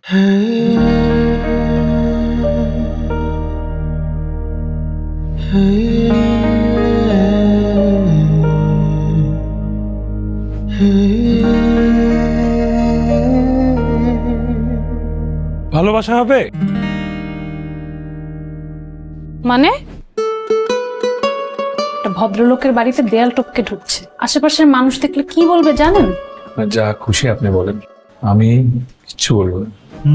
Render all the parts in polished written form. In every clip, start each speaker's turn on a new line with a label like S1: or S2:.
S1: ভালোবাসা হবে
S2: মানে একটা ভদ্রলোকের বাড়িতে দেয়াল টপকে ঢুকছে, আশেপাশের মানুষ দেখলে কি বলবে জানেন?
S1: যা খুশি আপনি বলেন, আমি কিচ্ছু বলবো না।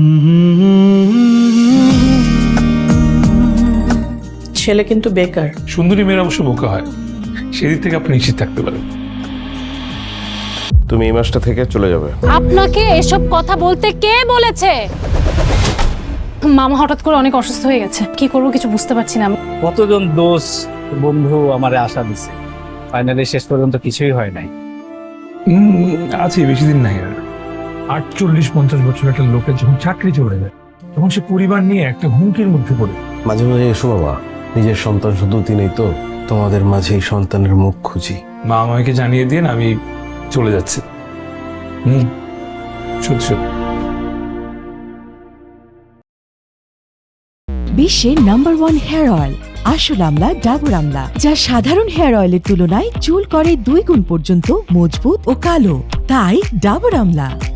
S3: ছেলে কিন্তু বেকার।
S1: সুন্দরী মেয়ের অবশ্য বোকা হয়, সেদিক থেকে আপনি নিশ্চিত থাকতে পারেন।
S4: তুমি এই মাসটা থেকে চলে যাবে।
S2: আপনাকে এসব কথা বলতে কে বলেছে? মামা হঠাৎ করে অনেক অসুস্থ হয়ে গেছে, কি করবো কিছু বুঝতে পারছি না।
S5: কতজন দোষ বন্ধু আমারে আশা দিছে, ফাইনালি শেষ পর্যন্ত কিছুই হয় নাই।
S1: আছে বেশি দিন নাই আর। 48-50 বছর একটা লোকের যখন চাকরি চলে যায়, তখন সে পরিবার নিয়ে একটা হুমকির মধ্যে পড়ে।
S4: মাঝে মাঝে এসো বাবা, নিজের সন্তান শুধু তিনিই তো, তোমাদের মাঝে এই সন্তানের মুখ খুঁজি।
S1: মা আমাকে জানিয়ে দিন আমি চলে যাচ্ছি। সত্যি সত্যি।
S6: বিশ্বের নাম্বার 1 হেয়ার অয়েল আসল আমলা ডাবর আমলা, যা সাধারণ হেয়ার অয়েলের তুলনায় চুল করে 2 গুণ পর্যন্ত মজবুত ও কালো। তাই ডাবর আমলা।